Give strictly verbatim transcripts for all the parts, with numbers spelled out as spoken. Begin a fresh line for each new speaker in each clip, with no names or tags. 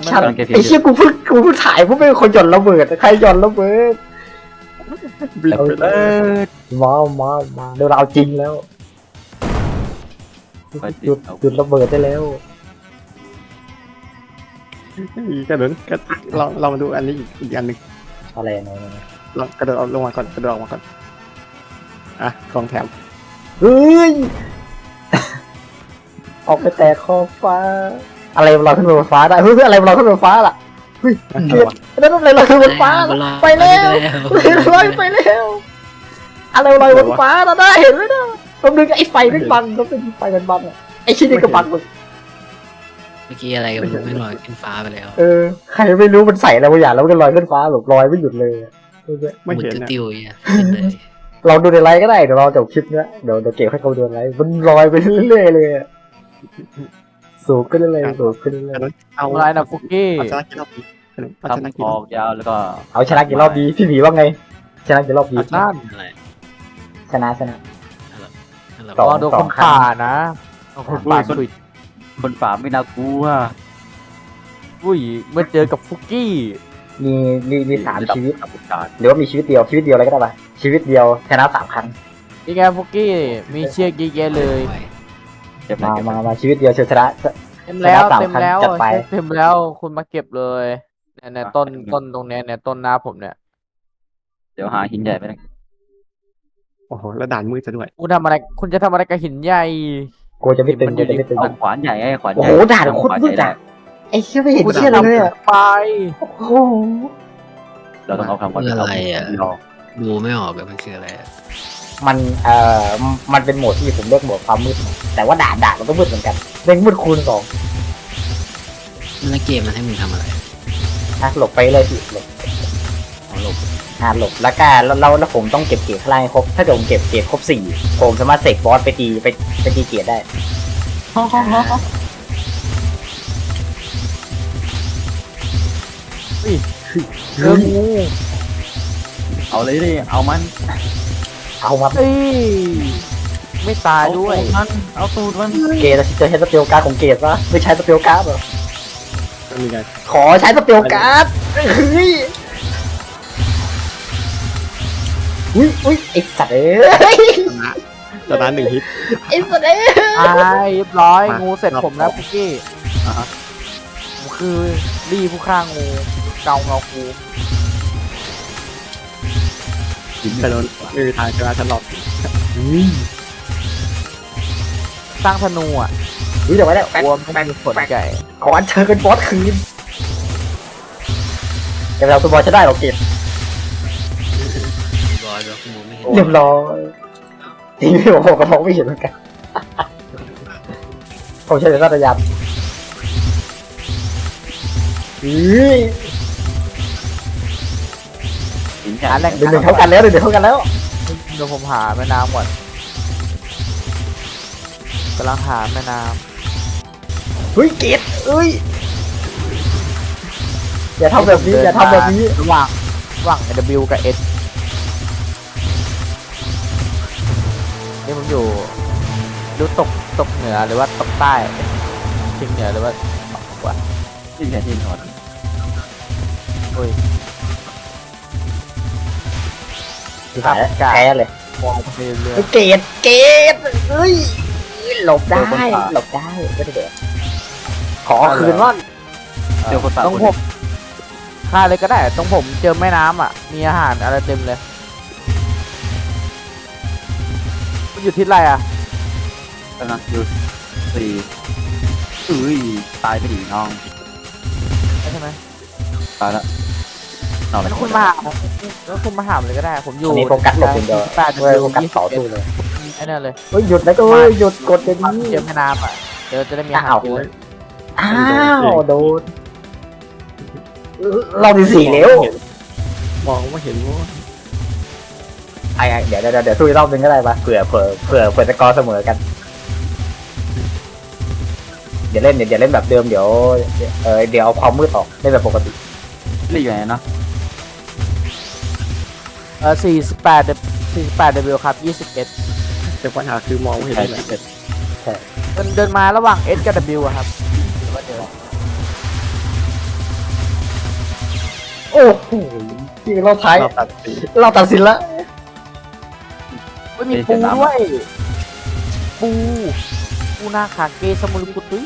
ชันไอ้เชี่ยกูเพิ่งกูเพิ่งถ่ายพวกเป็นคนหย่อนระเบิดใครหย่อนระเบิด
บิดไปเลย
มามามาเดี๋ยวเราเอาจริงแล้วหยุดหยุดระเบิดได้แล้ว
กระโดดก็ลองลองดูอันนี้อีกอีกอันหนึ่ง
อะไรนะ
ลองกระโดดลงมาก่อนกระโดดออกมาก่อนอ่ะของแถม
เฮ้ยออกไปแตะขอบฟ้าอะไรเราขึ้นไปบนฟ้าได้เฮ้ยอะไรเราขึ้นไปบนฟ้าล่ะเฮ้ยนั่นอะไรเราขึ้นบนฟ้าไปแล้วลอยไปแล้วอะไรลอยบนฟ้าเราได้เห็นไหมนะผมดึงไอ้ไฟไม่บังแล้วเป็นไฟมันบังอ่ะไอ้ชิ้นนี้ก็บังมึง
เมื่อกี้อะไรก็ไม่รู้ไม่ลอยขึ้นฟ้าไปแล้ว
เออใครไม่รู้มันใส่อะไรบางอย่างแล้วมันก็ลอยขึ้นฟ้าแบบลอยไม่หยุดเลย
ไม่
หมุน
เห็นนะ
ติ้วๆอย่างเงี้ยเห็นเลย
เราดูในไลฟ์ก็ได้เดี๋ยวเราจบคลิปเนี้ยเดี๋ยวเดี๋ยวเก็บให้เขาดูในไลฟ์มันลอยไปเรื่อยๆเลยสูงขึ้นเรื่อยๆสูงขึ้นเรื่อย
เอา
อะไรนะฟุกกี้
เอาชนะกี่รอบดีเอาชนะ
ทำ
กี่
อ
รอ
อบ กยาวแล้วก็
ๆเอาชนะกี่รอบดีพี่หมีว่าไงชนะกี่รอบดี
นั่น
อะไร
ชนะชนะ
อะไร
ต่อ
ลองดูคนป่านะลองคนป่าคุย
คนป่าไม่น่ากลัว
อุ้ยเมื่อเจอกับฟุกกี้
มีมีมีสามชีวิต
กับการ
หรือว่ามีชีวิตเดียวชีวิตเดียวอะไรก็ได้ปะชีวิตเดียวชนะสามครั้ง
นี่ไงฟุกกี้มีเชือกเยอะแยะเลย
เก็บ
มา
เก็บ
มามาชีวิตเดียวเชนะ
เต็มแล้ว
ชนะสาม
เต็ม
ครั้ง
แล้ว
จัดไป
เต็มแล้วคุณมาเก็บเลยเนี่ยเนี่ยต้นต้นตรงเนี้ยเนี่ยต้นหน้าผมเนี่ย
เดี๋ยวหาหินใหญ่ไปนะ
โอ้โหแล้วด่านมืดซะด้วย
คุณทำอะไรคุณจะทำอะไรกับหินใหญ่
กูจะไม่ตึงกูจะไม่ตึง
เอาขวานใหญ่ไอ้ขวานให
โอ้
ญ่
โหด่านโคตรมืดอ่ะไอ้เชี่ยไม่เห็นเชี่ยอะไรเลยอ่ะ
ไป
โอ้โห
เราต้องเอาคำว่า
คืออะไรอ่ะ
เรา
ดูไม่ออกเลยมันคืออะไรอะ
มันเอ่อมันเป็นโหมดที่ผมเรียกโหมดความมืดแต่ว่าด่านด่านมันก็มืดเหมือนกันเร่งมืดคูณสอง
แล้วเกมมันให้มึงทำอะไร
นะหลบไปเลยสิหลบ
อ๋อหลบ
อ่าหลบแล้วก็แล้วแล้วแล้วผมต้องเก็บเกียร์ข้างล่างให้ครบถ้าเกิดผมเก็บเกียร์ครบสี่ผมสามารถเสกบอสไปตีไปไปตีเกียร์ได้
เจองู
เอาเลยดิเอามัน
เอามา
เอ้ยไม่ตายด้วย
เอามันเอาตูดมัน
เกย์จะใช้สเปลการ์ดของเกย์ปะไม่ใช้สเปลการ์ดเหรอ
ก็มีไง
ขอใช้สเปลการ์ดเฮ้ยอุ้ยอุ้ยไอ้สัตว์เอ้ย
ชนะหนึ่งฮิต
ไอ้สัตว์เอ้ย
ตายเรียบร้อย
มางู
งูเสร็จ
รอบ
ผมแล้ว
สอง
ฟุกกี้
อ่ะฮะ
ผมคือรีผู้ฆ่างูเกาเงาคู
หิน
แต่โดนไม่มีทางชนะฉันหรอก
สร้างธนูอ่ะ
อุ้ยเดี๋ยวไว้แล้ว
รวมต้องมีผลใหญ่
ขออัญเชิญเป็นบอสคืนเดี๋ยวเราเป็นบอสจะได้หรอเกย์
บอยแบบมองไม่เห็น
เรียบร้อยทีนี้ผมก็มองไม่เห็นเหมือนกันผมใช้แต่สัตยานอุ้ย
หินใหญ่
หาแหล่ง
หนึ่งหนึ่งเท่ากันแล้วหนึ่งหนึ่งเท่ากันแล้ว
เดี๋ยวผมหาแม่น้ำก่อนกำลังหาแม่น้
เฮ้ยเกตเอ้ยอย่า
ำ
ทำแบบนี้อย่าทำแบบนี้
ระหว่างระหว่าง W กับ S นี่ผมอยู่ดูตกตกเหนือหรือว่าตกใต้ทิงเหนือหรือว่าตกกว่า
ที่แค่ที่ถอด
โอ้ย
แพ้แพ้เลย
มองไปเรื่อย
เฮ้ยเกตเกตเอ้ยหลบได้หลบได้ก็ได้เด็ดขอคืนว่า
เจอคนป่า
ๆต้อง
คน
ผมฆ่าเลยก็ได้ตรงผมเจอแม่น้ำอ่ะ มีอาหารอะไรเต็มเลยมันอยู่ที่ไรอ่ะ
กำลังหยุดสี่อุ้ยตายไปดิน้อง
ใช่ไหม
ตายแล้วนอนเล
แล้
ยว
คุณมาหาแล้วคุณมาหาผมเลยก็ได้ ผมอยู่
อันนี้โฟกัสหลบอย่างเดียว
แปด
เว้ยโฟกัสต่อสู้เลย
ไอ้นั่นเลย
เฮ้ยหยุดนะก็เฮ้ยหยุดกดเดี๋ยวนี้
เจอแม่น้ำอ่ะเดี๋ยวจะได้มีอาหาร
อ้าว
กินเลย
อ้าวโดนเราดีสี่แล้ว
มองไม่เห็นว่า
ไอ้เดี๋ยวเดี๋ยวเดี๋ยวสู้อีกรอบนึงก็ได้ปะเผื่อเผื่อเผื่อเผื่อจะกอเสมอกันเดี๋ยวเล่นเดี๋ยวเล่นแบบเดิมเดี๋ยวเออเดี๋ยวเอาความมืดออกเล่นแบบปกติ
นี่อยู่ไหนเนาะ
เออสี่สิบแปดสี่สิบแปด W ครับยี่สิบเอ็ด
แต่ปัญหาคือมองไม่เห็น
ใช่
เลย
ที่เป็น
เดินเดินมาระหว่าง S กับ W อะครับหรือว่าเดิน
อ้โหที่เราท้าย
เราตัดสี
เราตัดสินละ
เฮ้ยมีปูด้วยปูปูนาคาเกสมุรุกุตุย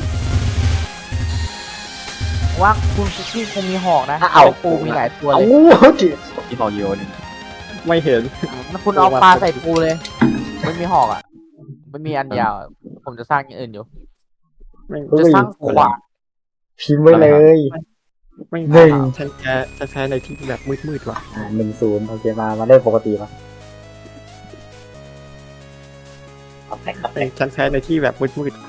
ว่าคุณคุกกี้คงมีหอกนะปูมีหลายตัว
เอ้า
เลย
จิ
ที่บอกโยน
ไม่เห็น
แล้วคุณเอาปลาใส่ปูเลยไม่มีหอกอ่ะไม่มีอันยาวผมจะสร้างอย่างอื่นอยู่
ไม่
จะสร้างขวาน
พิมพ์ไว้เลย
ไม่
หนึ่ง
ฉันแพ้ฉันแพ้ในที่แบบมืดๆว่ะ
อ่าหนึ่งศูนย์โอเคมามาเล่นปกติมาเอาแตกเอาแตก
ฉันแพ้ในที่แบบมืด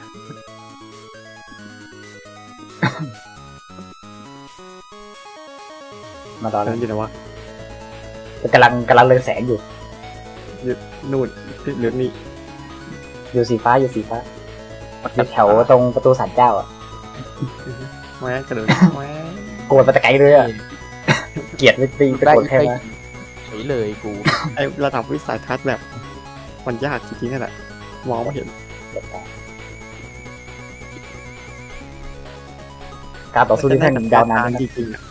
มาตอน
ๆฉั
นั้น
นอยู่ไหนวะ
กำลังกำลังเรืองแสงอยู่
นู่นที่เหลือนี่
อยู่สีฟ้าอยู่สีฟ้าอยู่แถวตรงประตูศาลเจ้าอ่ะ
แหวะกระโดดแหวะ
โกรธมาแต่ไกลเลยอ่ะเกลียดไม่ตีไปโกรธใครมา
เฉยเลยกู
ไอระดับวิสัยทัศน์แบบมันยากจริงๆนั่นแหละมองไม่เห็น
การต่อสู้ที่แท่งยาวนาน
จริงๆอ่ะ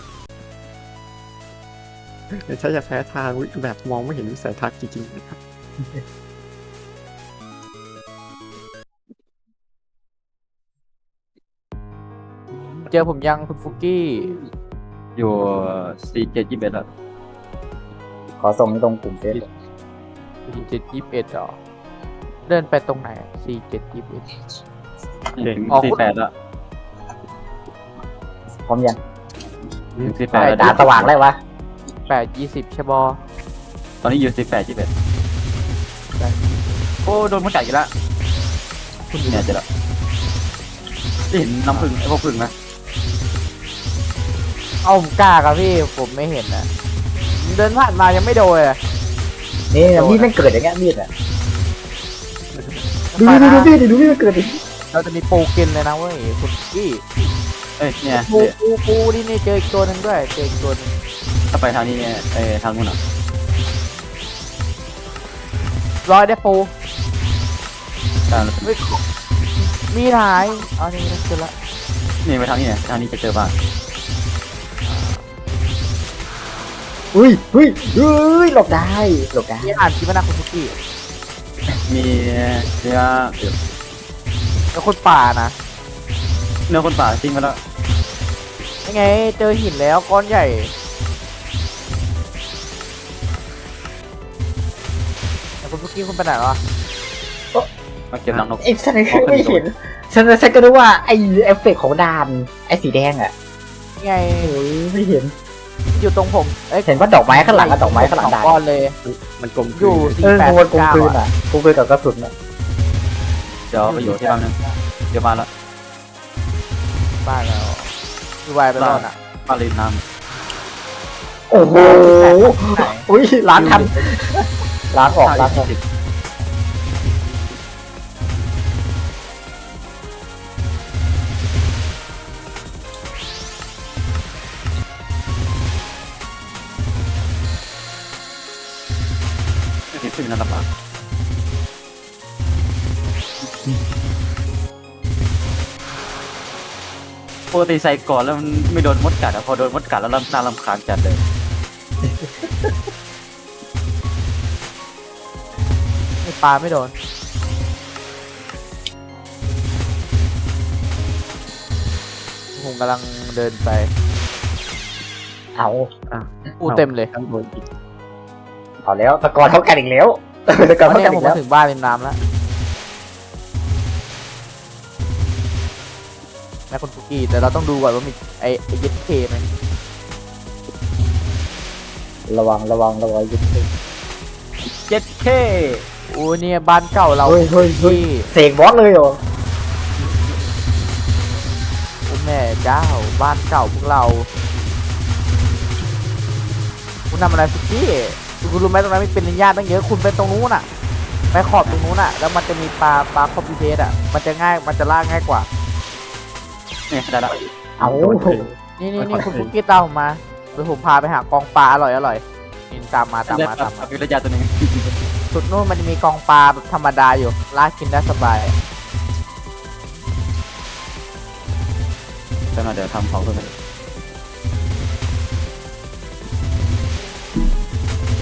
แต่ฉันจะแพ้ทางแบบมองไม่เห็นวิสัยทัศน์จริงๆนะครับ
เจอผมยังคุณฟุกกี้
อยู่สี่เจ็ดยี่สิบเอ็ดแล้ว
ขอส่งให้ตรงกลุ่มเฟซ
สี่เจ็ดยี่สิบเอ็ดหรอเดินไปตรงไหนสี่เจ็ดยี่สิบเอ็ด
ถึง
อ๋อ
สี่แปดแล้ว
พร้อมยัง
ถึงสี่แปด
ตาสว่างแล้ววะ
แปดยี่สิบใช่บอ
ตอนนี้อยู่สี่แปดยี่สิบเอ็ดโอ้โดนมันกัดอีกแล้วคุณเนี่ยเจะแล้วเห็นน้ำผึ้งไอ้พวกผึ้งไหม
เอาผมกล้าครับพี่ผมไม่เห็นนะเดินผ่านมายังไม่โดนเลย
นี่มีดมันเกิดอย่างเงี้ยมีดอ่ะดู
ไป
ดู
นะ
ดูมีดดิดูมีดมันเกิดดิ
เราจะมีปูกินเลยนะเว้ยคุณฟุกกี้
เอ้ยเนี่ย
ปูปูปูนี่นี่เจออีกตัวหนึ่งด้วยเจออีกตัวหนึง
ถ้าไปทางนี้เนี่ยเอ้ยทางนู้นอ่ะ
ร้อยได้ปู
ทาง
เฮ้ยมีหายเอานี่เจอละ
นี่ไปทางนี้เนี่ยทางนี้จะเจอบ้าน
อุ้ยอุ้ยอุ้ยหลบได้หลบได้
มีอ่านคลิปนะคุณฟุกกี้
มีเนื้อเดี๋ยว
แล้วคนป่านะ
เนื้อคนป่าทิ้งไปแล้ว
ยังไงเจอหินแล้วก้อนใหญ่แล้วคุณฟุกกี้คุณไปไหนวะ
มาเก็บรังนก
ไอ้ฉันไม่เห็นฉันฉันก็รู้ว่าไอ้เอฟเฟกต์ของดานไอ้สีแดงอ่ะ
ยังไง
โอ้ยไม่เห็น
อยู่ตรงผมเอ้ย
เห็นว่าดอกไม้ข้างหลังกับดอกไม้ข้างหลัง
สอง
ดาน
ก้อนเลย
มันกลม
อยู่
เอ
สี่
อ
แปด
กวนกลม
เก้าก
ลืน
อะ
อ่ะกลมกลืนกับกระสุนอ่ะ
เดี๋ยวไปอยู่ที่บ้านนึงเดี๋ยวมาแล้ว
บ้านแล้วดูไวไปรอดอ่ะ
บ้านริมน้
โอ้โหอุ้ยล้างทันล้าง
ำ
ออกล้างออก
สิบสิบนั่นลำบากปกติใส่ก่อนแล้วมันไม่โดนมดกัดอะพอโดนมดกัดแล้วน่ารำคาญจัดเลย
ไม่ปลาไม่โดนผมกำลังเดินไป
เอา
ปูเต็มเลย
ข้างบนอีก
เอาแล้วสกอร์เท่ากันอีกแล้วสก
ต
อ
อ
ร์
น
เท่า
นี้
กัน
ผ
อี
ม
กแล้
มาว ถึงบ้านริมน้ำแล้วแม่คุณฟุกี้แต่เราต้องดูก่อนว่ามีไอ้ไอ้ยึดเคไหม
ระวังระวังระวังยึดเฮ้ย
เจ็ดเค
โอ้เนี่ยบ้านเก่าเรา
เฮ้ยเฮ้ย
ที่
เสกบอสเลยเหรอ
โอ้แม่เจ้าบ้านเก่าพวกเราคุณทำอะไรฟุกี้คุณรู้ไหมตรงนั้นมีเป็นนินญาตั้งเยอะคุณไปตรงนู้นอ่ะ ไปขอบตรงนู้นอ่ะ แล้วมันจะมีปลาปลาคอมพิวเตอร์อ่ะมันจะง่ายมันจะล่าง่ายกว่า
เนี่ยได้ละ
เอา
นี่นี่นี่คุณฟุกี้ตามผมมาเดี๋ยวผมพาไปหากองปลาอร่อยอร่อยนี่ตามมาตาม
ได้
มา
ปลา
ตามมา
วิรยาตัวหนึง
สุดนู้นมันจะมีกองปลาแบบธรรมดาอยู่ลากกินได้สบาย
แต่มาเดี๋ยวทำของเพิ่มไป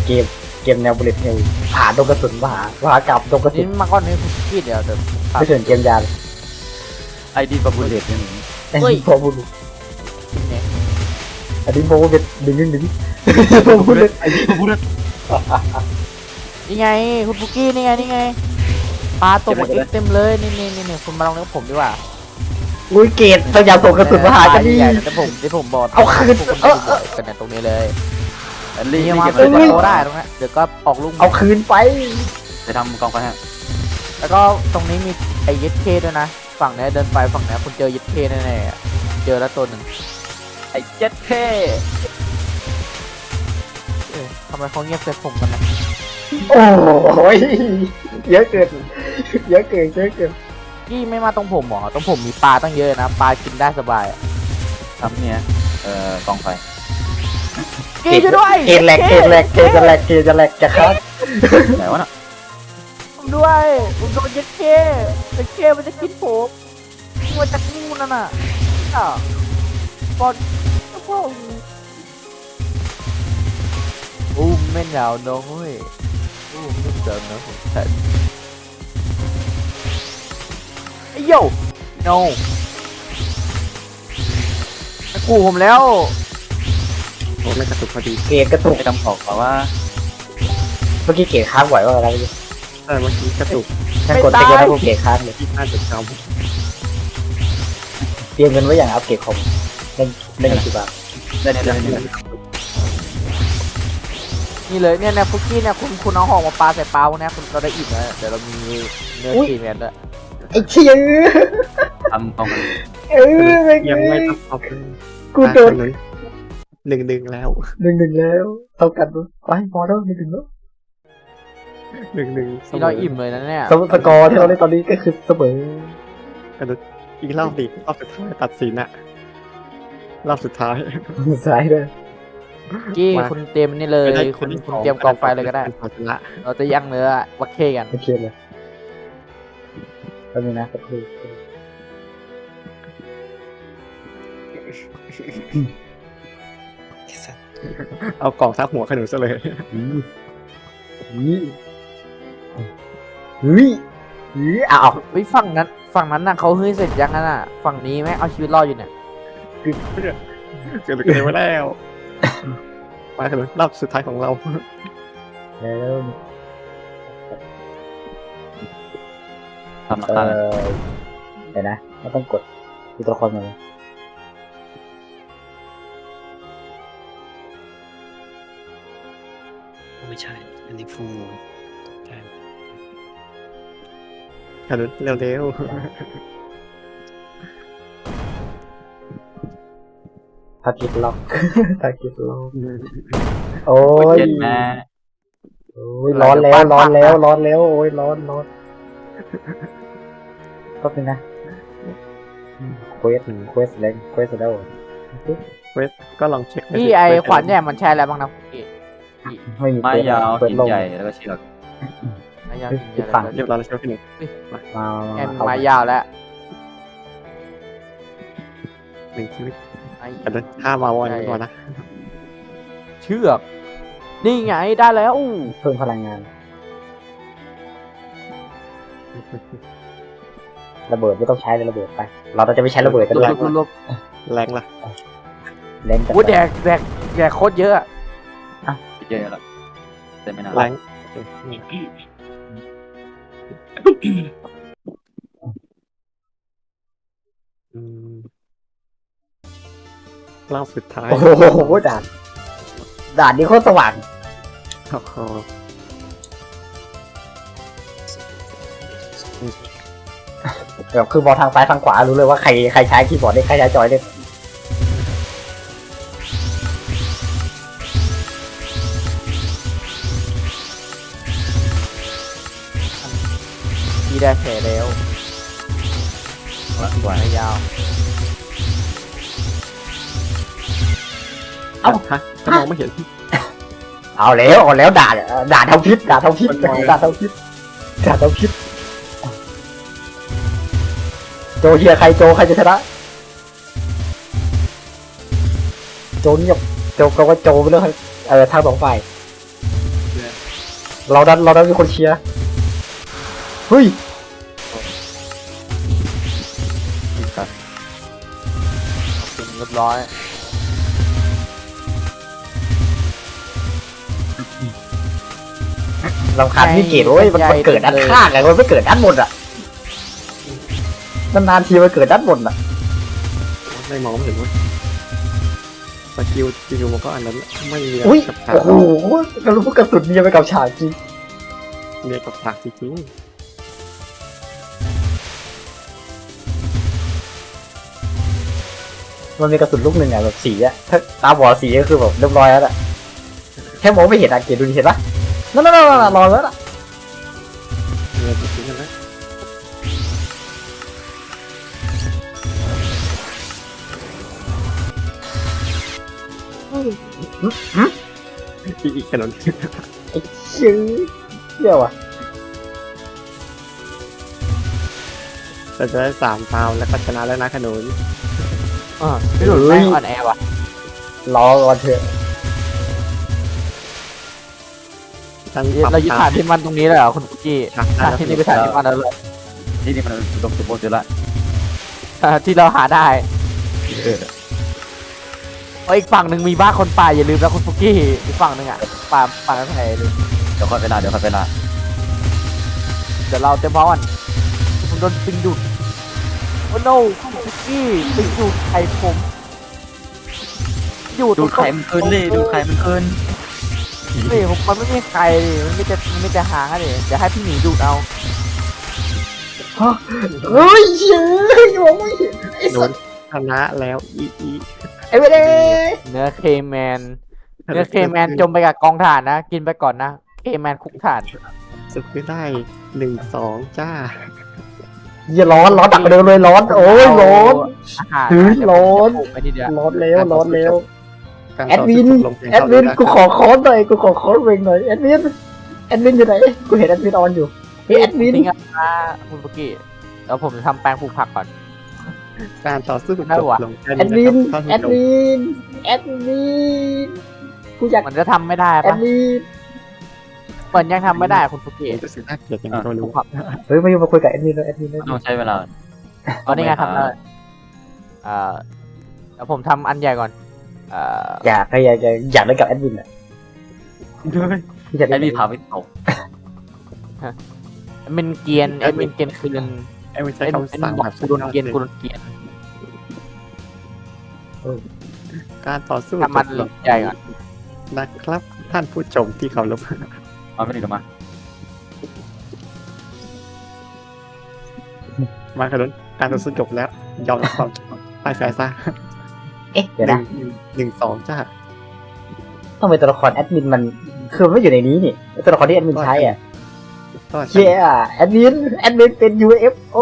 เกมเกมแนวบุลเลตเฮลผ่าดงกระสุนผ่าผ่ากลับดงกระสุ
นี่
น
มาก่อนนี่คุณพี่เดี๋ยวเดี๋ยว
ไม่เถื่อนเกมยา
ไอดีกับบุลเลตเนี่ย
อันนี้พอบุล
เนี่ย
อันนี้โบเป็นดึงดึงดึงโบบุลเลต
ไอดีกับบุลเลต
นี่ไงคุณปุกกี้นี่ไงนี่ไงปลาตกมาเต็มเลยนี่นี่นี่นี่คุณมาลองเล่นกับผมดีกว่า
อุ้ยเกตพยายามส่งกระสุนมาหากันดี
ใหญ่แต่ผมที่ผมบอก
เอาคืน
พวก
เอ
คุณ
อ
ไปดูกันเนี่ยตรงนี้เลย
รี
นี่
บ
มา
เก็บ
เปิด
เลย
โตได้ตรงนี้เดี๋ยวก็ออกลูก
เอาคืนไป
ไปทำกองไฟฮะ
แล้วก็ตรงนี้มีไอ้ยึดเคด้วยนะฝั่งเนี้ยเดินไปฝั่งเนี้ยคุณเจอยึดเคแน่ๆอะเจอแล้วตัวหนึ่ง
ไอเจ็ดเท่
เอ๊ะทำไมเขาเงียบใส่ผมกันนะ
โอ้ยเยอะเกินเยอะเกินเยอะเกิน
กี้ไม่มาตรงผมหรอตรงผมมีปลาตั้งเยอะนะปลากินได้สบายอะ
ทำเนี่ยเอ่อกองไฟ
กี้ช่วยด้วย
เกตแหลกเกตแหลกเกตจะแหลกเกตจะแหลกจะคัด
ไหนวะน่ะ
ผมด้วยผมโดนยึดเคยึดเคมันจะกินผมมันจะงูนั่นน่ะอ่ะบอลโอ้โหอู้ไม่หนาวน้องเว้ยอู้ไม่เจอนะผมใช่ไอ้โย่ no กูผมแล้ว
โอ้ไม่กระตุกพอดี
เกตกระตุก
ไปทำของบอกว่า
เมื่อกี้เกตค้างไหวว่าอะไร
เออเมื่อกี้กระตุก
ฉันกดติ๊กแล้วพวกเกตค้างเลย
ที่ห้าจุดเก้า
เตรียมเงินไว้อย่างอัปเกรดคอมเล่นเล่นกี่บาท
ได้เนี่ยได้เนี่ย
นี่เลยเนี่ยเนี่ยฟุกกี้เนี่ยคุณคุณเอาหอกมาปลาใส่เปล่าเนี่ยคุณเราได้อิ่มแล้วเดี๋ยวเรามีเนื้อทีแมนด้วย
ไอ้เชี่ย
ทำกองไฟ
เออ
ยังไม่ต้องเอาไป
กูโดน
หนึ่งหนึ่งแล้ว
หนึ่งหนึ่งแล้วเท่ากันไปพอแล้วหนึ่งหนึ่งแล้ว
หนึ่งหนึ่ง
นี่เราอิ่มเลยนะเนี่ย
สสกอร์ที่เราเล่นตอนนี้ก็คือเสมอก
ระตุกอีกรอบดิรอบสุดท้ายตัดสินอะรอบสุดท้าย
สายเลย
กี้
มา
คุณเตรียมนี่เลยคุณคุณเตรียมกองไฟเลยก็ได้
เอาชนะ
เราจะย่างเนื้อวักเคกัน
โอเคเลยแป๊บนึงนะสักครู่
เอากล่องทับหัวขนุนซะเลย
อืมอืมอืมอืมอ้าว
เฮ้ยฝั่งนั้นฝั่งนั้นน่ะเขาเฮ้ยเสร็จยังนั้นน่ะฝั่งนี้แม่งเอาชีวิตรอดอยู่เนี่ย
เกิดอะไรมาแล้วมาขนุนรอบสุดท้ายของเรา
แล้ว
ทำหลัก
เอ
ฐาน
อเดี๋ยวนะไม่ต้องกดดูตัวละครมาเลย
ไม่ใช่ อันนี้ฟูใช่
ขนุนเร็ว
ทาร์เก็ตล็อก ทาร์เก็ตล็อก
ๆ
โอ้ย
เจ็ดแม่
โอ้ยร้อนแล้วร้อนแล้วร้อนแล้วโอ้ยร้อนร้อนก็เป็นนะเควสเควสแรงเควสแล้ว
เวทก็ลองเช็ค
พี่ไอขวานเนี่ยมันใช้อะไรบ้างนะพี่
ไม่มี
ไม้ยาว
เปิด
หิน
ลง
ใหญ่แล้วก็เชือก
ไม้ยาวจริง
อีกฝั่ง
เรียบร้อยแล้วใช่ไหมพี่หนึ่ง
มา
แอม
เอา
ไม้ยาวแล้ว
หนึ่งชีวิต
ไอ้
ขนุนห้ามมาวันก่อนนะ
เชือกนี่ไงได้แล้วอู้
เพิ่มพลังงาน ระเบิดไม่ต้องใช้เลยระเบิดไป เราจะไม่ใช้ระเบิดกัน
ร
ด้วย
วบรวบ
แรงละ
แรงจัด
อู้แดกแดกแดกโคตรเยอะ
เยอะแล้วแต่ไม่นาน
แรง อืมรอบสุดท้าย
โอ้โหด่านด่านนี้โคตรสว่าง
โอ้โห
แบบคือมองทางซ้ายทางขวารู้เลยว่าใครใครใช้คีย์บอร์ดได้ใครใช้จอยได้
พี่ได้แผลแล้ว
ละกว่า
ไม้ยาว
เอ้า
ฮะถ้ามองไม่เห็น
เอาแล้วเอาแล้วด่าด่าเท่าพิษด่าเท่าพิษด่าเท่าพิษด่าเท่าพิษโจเฮียใครโจใครจะชนะโจเงียบโจก็ว่าโจไปเลยเออทางสองฝ่ายเราดันเราดันมีคนเชียร์เฮ้ย
เรียบร้อย
ลำคาญพี่เกดเว้ยมันมันเกิดด้านข้างไงมันไม่เกิดด้านบนอ่ะนานๆทีมันเกิดด้านบนอ่ะ
ไม่มองไม่เห็นว่าสกิลสกิลมันก็อันนั้นไม่มี
อุ้ย
กับฉาก
โอ้โหกระลุกกระสุนเนี่ยไปกับฉากจริง
เมียกับฉากจริง
มันมีกระสุนลูกหนึ่งอ่ะแบบสีอ่ะถ้าตาบอดสีก็คือแบบเรียบร้อยแล้วอ่ะแค่มองไม่เห็นอ่ะเกดดูดิเห็นปะนั่นนั่นนั่นรอแล้วอ่ะ
ๆเมียจริงๆกันนะอีกอีกขนม
ไอ้ชื่อเที่ยวอ่ะ
เราจะได้สามฟาวแล้วก็ชนะแล้วนะขนุน
อ่าพี่หลุดแม่งอ่อนแอว่ะ
รอก่อนเถอะ
ตั้ง
เรายึดฐานที่มันตรงนี้เลยเหรอคุณปุกกี้
ฉาก
ฐานที่นี่เป็นฐานที่มันแล้วเลย
ที่นี่มันอุดมสมบูรณ์อยู่ละ
อ่าที่เราหาได้
เออ
เอาอีกฝั่งหนึ่งมีบ้านคนป่าอย่าลืมนะคุณปุกกี้อีกฝั่งหนึ่งอ่ะป่าป่าไม้ไผ่ลืม
เดี๋ยวค่อยไปละเดี๋ยวค่อยไปละ
เดี๋ยวเราเต็มพร้อมกันผมโดนปิงดูดโอ้โนคุณปุกกี้ปิงดูดไข่ผมอยู่ต
ดู
รง
ดไข่มันคืนดิดูดไข่มันคืน
นี่ผมมันไม่มีใครดิมันไม่จะมันไม่จะหางอะดิเดี๋ยวให้พี่หมีดูดเอา
เฮ้ยเชื่อมองไม่เห็นไอ้
โด
สั
น
ส
ชนะแล้วอีอี
ไอ้ไม่ได้
เนื้อเคแมนเนื้อเคแมนจมไปกับกองถ่านนะกินไปก่อนนะเคแมนคุกถ่าน
สุดที่ได้หนึ่งสองจ้า
อย่าร้อนร้อนตักไปเดินเลยร้อนโอ้ยร้อน
อาหาร
เฮ้ยร้อน
ไปทีเดียว
ร้อนแล้วร้อนแล้ว
การ
แอดวิน
ต่อสู้จบลงเพียง
แอดวิน
เท่า
กูขอคอนหน่อยกูขอคอนเวงหน่อยแอดวินแอดวินอยู่ไหนกูเห็นแอดวินออนอยู่เฮ้ยแอดวิน
จริงๆอะคุณปุกกี้แล้วผมจะทำแปลงปลูกผักก่อน
การต่อสู้จ
ได้
บ
ว่ะ
ลงแค่
แอด
นี้
วิน
นะครับ
แอดวินแอดวินกูอยาก
มันจะทำไม่ได้
แอ
ปะ
ดวิน
เปิดยังทำไม่ได้คุณปุกกี้
รู้สึกน่าเกลียดอย่างนี้ก็
ป
ไม่
ลู
รู้
กผัก
เฮ้ยมาอยู่มาคุยกับแอดวินเลยแอดวินเลย
ต้องใช้เวลา
ตอนนี้ไงทำได้เอ่อแล้วผมทำอันใหญ่ก่อนเอ่อ
อยากอยากอยากอยากเล่นกับแอดวินอ่ะอยาก
ไอ้
เล่น
มีพาไปตก
เมนเกียนไอ้เมนเกียนคืน
ไอ้ไม่ใช่
ไอ้
คำสั่ง
บอก
แบบ
กูโดนเกียนกูโดนเกียน
การต่อสู้
ทำมัน
จบลง
ใหญ่ก่อน
นะครับ ท่านผู้ชมที่เคารพ
เอาไปหนึ่งมา
มาขนุนการต่อสู้จบแล้ว ยอมรับความพ่ายแพ้ซะ
เอ๊ะเดี๋ยว
หนึ่
นะ
งหนึ่งสองจ้า
ต้องเป็นตัวละครแอดมินมันคือมันไม่อยู่ในนี้นี่ตัวละครที่แอดมินใช้อ่ะ
ก็
เชี่ยแอดมินแอดมินเป็น ยู เอฟ โอ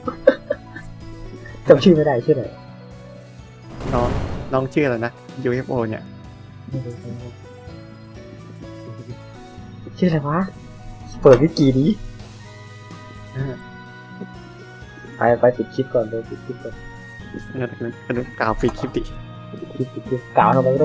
จำชื่อไม่ได้ชื่ออะไร
น้องน้องชื่ออะไรนะ ยู เอฟ โอ เนี่ย
ชื่ออะไรวะเปิดวิกินี้
เออ
ไปไปปิดคลิปก่อนเลยปิดคลิปก่อน
ขนุนขนุนกล่าวปิดคลิปดิ
ปิดคลิปกล่าวทำไมไม่ต้อง